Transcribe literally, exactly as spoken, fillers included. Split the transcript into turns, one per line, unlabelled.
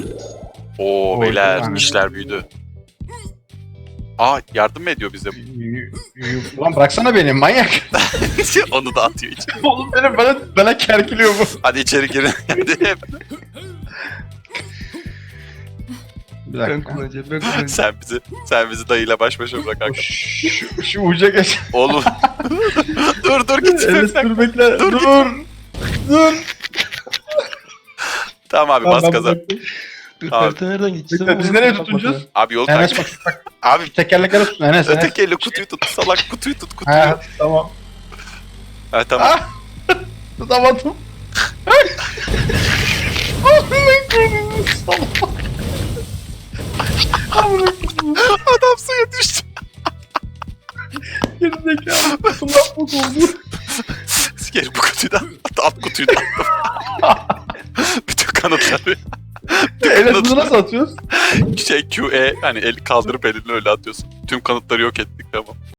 Oo
Oy,
beyler
yani.
işler büyüdü. Aa yardım mı ediyor bize?
Y- y- Ulan bıraksana beni manyak.
Onu da atıyor içeri.
Oğlum benim bana, bana kerkiliyor bu.
Hadi içeri girin. Hadi.
Bir
Ben
dakika.
kullanacağım, ben kullanacağım.
sen bizi sen bizi dayıyla baş başa bırak kanka.
Şu, şu uca geç.
Oğlum. dur dur git.
Evet dur bekle.
Dur,
Dur.
git.
Dur.
Tamam abi
Tamam,
bas
ben
gaza.
bıraktım.
Dur,
Tamam.
harita nereden geçeceğim?
Bekle, biz nereye tutunacağız?
Abi yol
Enes
takip.
bak, bak
Abi
tekerleklere tutun Enes. Enes.
öteki elle kutuyu tut. Salak kutuyu tut kutuyu.
Ha tamam.
Ha tamam.
Ah! Tutamadım. Allah'ım korusun salak.
Adam suya düştü.
Gerizekalı. Kulak mı oldu?
Sikerim bu kutuyu da. At kutuyu da. Bütün kanıtları.
Enes bunu nasıl atıyoruz?
Şey Q E hani el kaldırıp elinle öyle atıyorsun. Tüm kanıtları yok ettik tamam.